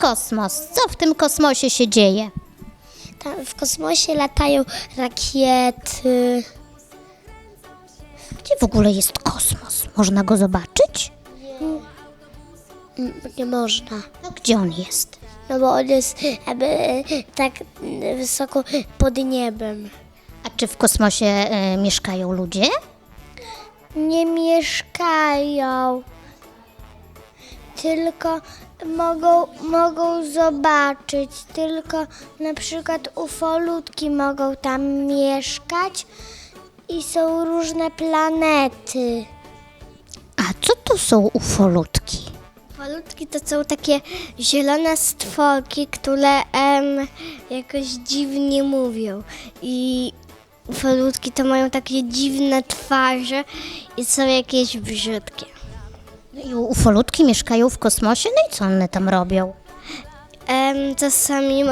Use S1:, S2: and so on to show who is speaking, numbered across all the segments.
S1: kosmos. Co w tym kosmosie się dzieje?
S2: Tam w kosmosie latają rakiety.
S1: Gdzie w ogóle jest kosmos? Można go zobaczyć?
S2: Nie można.
S1: No gdzie on jest?
S2: No bo on jest jakby tak wysoko pod niebem.
S1: A czy w kosmosie mieszkają ludzie?
S2: Nie mieszkają, tylko mogą zobaczyć, tylko na przykład ufolutki mogą tam mieszkać i są różne planety.
S1: A co to są ufolutki?
S2: Ufolutki to są takie zielone stworki, które jakoś dziwnie mówią i ufolutki to mają takie dziwne twarze i są jakieś brzydkie.
S1: No i ufolutki mieszkają w kosmosie, no i co one tam robią?
S2: Czasami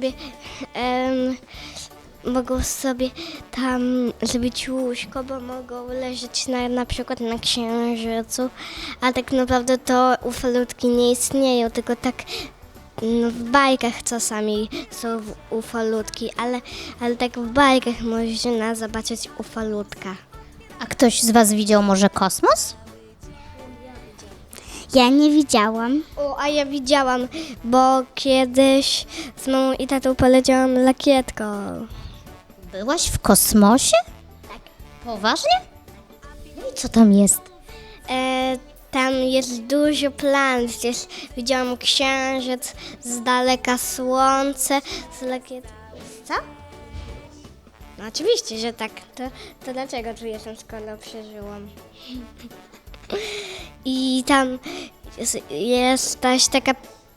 S2: mogą sobie tam zrobić łóżko, bo mogą leżeć na przykład na księżycu, a tak naprawdę to ufolutki nie istnieją, tylko tak w bajkach czasami są ufolutki, ale tak w bajkach można zobaczyć ufolutka.
S1: A ktoś z was widział może kosmos?
S2: Ja nie widziałam. A ja widziałam, bo kiedyś z mamą i tatą poleciałam lakietką.
S1: Byłaś w kosmosie? Tak. Poważnie? No i co tam jest?
S2: Tam jest dużo planet, widziałam księżyc, z daleka słońce, z lakietką. Co? No oczywiście, że tak. To dlaczego tu jestem, skoro przeżyłam? I tam jest też taka...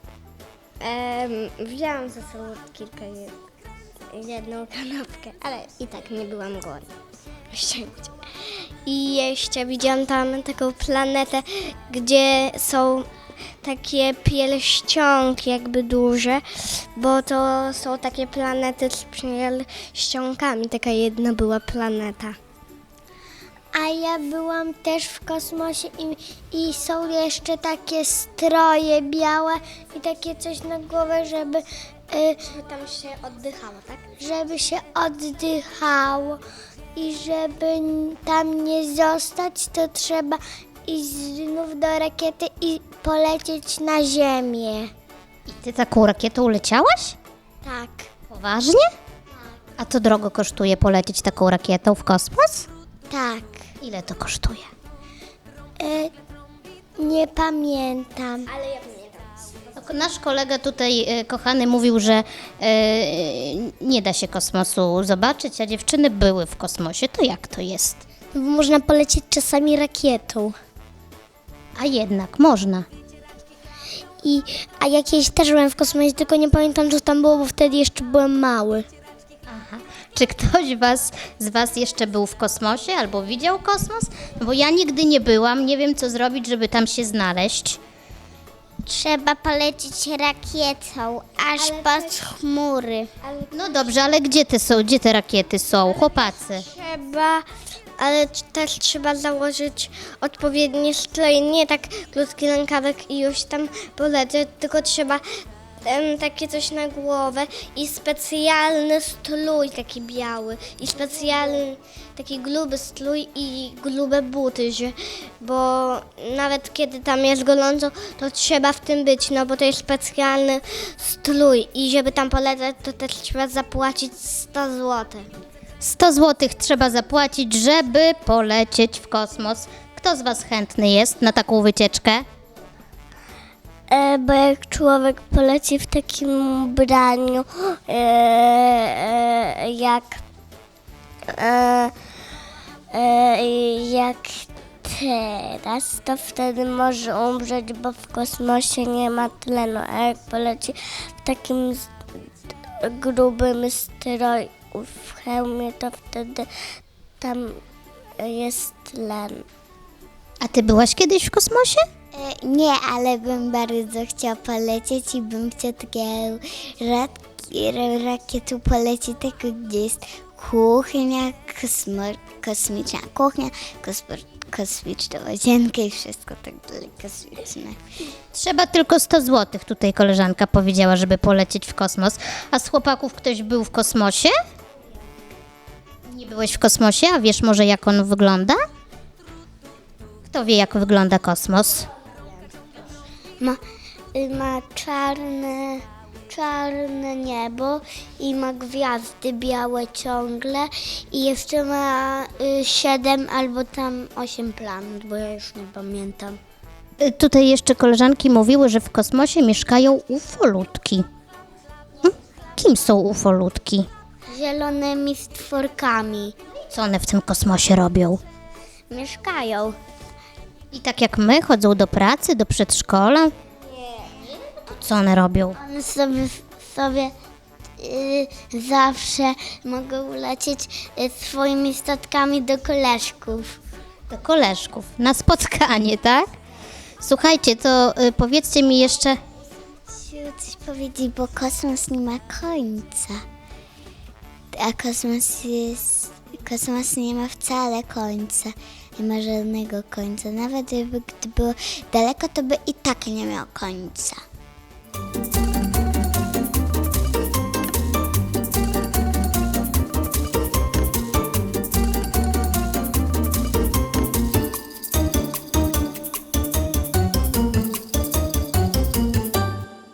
S2: wzięłam ze sobą jedną kanapkę, ale i tak nie byłam głodna. Szczęście. I jeszcze widziałam tam taką planetę, gdzie są takie pierścionki jakby duże, bo to są takie planety z pierścionkami. Taka jedna była planeta. A ja byłam też w kosmosie i są jeszcze takie stroje białe i takie coś na głowę, żeby tam się oddychało, tak? Żeby się oddychało i żeby tam nie zostać, to trzeba iść znów do rakiety i polecieć na Ziemię.
S1: I ty taką rakietą leciałaś?
S2: Tak.
S1: Poważnie? A to drogo kosztuje polecieć taką rakietą w kosmos?
S2: Tak.
S1: Ile to kosztuje?
S2: Nie pamiętam. Ale ja pamiętam.
S1: Nasz kolega tutaj, kochany, mówił, że nie da się kosmosu zobaczyć, a dziewczyny były w kosmosie. To jak to jest?
S2: Można polecieć czasami rakietą.
S1: A jednak można.
S2: A ja kiedyś też byłem w kosmosie, tylko nie pamiętam, co tam było, bo wtedy jeszcze byłem mały.
S1: Aha. Czy ktoś z was jeszcze był w kosmosie albo widział kosmos? No bo ja nigdy nie byłam, nie wiem co zrobić, żeby tam się znaleźć.
S2: Trzeba polecieć rakietą aż pod chmury.
S1: No dobrze, ale gdzie te rakiety są, chłopacy?
S2: Ale też trzeba założyć odpowiednie stroje, nie tak krótki rękawek i już tam polecieć, tylko trzeba takie coś na głowę i specjalny strój taki biały i specjalny taki gruby strój i grube buty, bo nawet kiedy tam jest gorąco, to trzeba w tym być, no bo to jest specjalny strój i żeby tam polecieć, to też trzeba zapłacić 100 zł.
S1: 100 zł trzeba zapłacić, żeby polecieć w kosmos. Kto z was chętny jest na taką wycieczkę?
S2: Bo jak człowiek poleci w takim ubraniu, jak teraz, to wtedy może umrzeć, bo w kosmosie nie ma tlenu, a jak poleci w takim grubym stroju, w hełmie, to wtedy tam jest tlen.
S1: A ty byłaś kiedyś w kosmosie?
S2: Nie, ale bym bardzo chciała polecieć i bym chciała takiego rakietu polecieć, taką, gdzie jest kuchnia, kosmiczna kuchnia, kosmiczną łazienkę i wszystko tak dalej kosmiczne.
S1: Trzeba tylko 100 zł, tutaj koleżanka powiedziała, żeby polecieć w kosmos. A z chłopaków ktoś był w kosmosie? Nie byłeś w kosmosie, a wiesz może jak on wygląda? Kto wie jak wygląda kosmos?
S2: Ma czarne niebo i ma gwiazdy białe ciągle i jeszcze ma 7 albo tam 8 planet, bo ja już nie pamiętam.
S1: Tutaj jeszcze koleżanki mówiły, że w kosmosie mieszkają ufolutki. Kim są ufolutki?
S2: Zielonymi stworkami
S1: Co one w tym kosmosie robią?
S2: mieszkają.
S1: I tak jak my, chodzą do pracy, do przedszkola? Nie. To co one robią?
S2: One sobie zawsze mogą lecieć swoimi statkami do koleżków.
S1: Do koleżków, na spotkanie, tak? Słuchajcie, to powiedzcie mi jeszcze,
S2: Chciałam coś powiedzieć, bo kosmos nie ma końca. A kosmos nie ma wcale końca. Nie ma żadnego końca. Nawet gdy było daleko, to by i tak nie miał końca.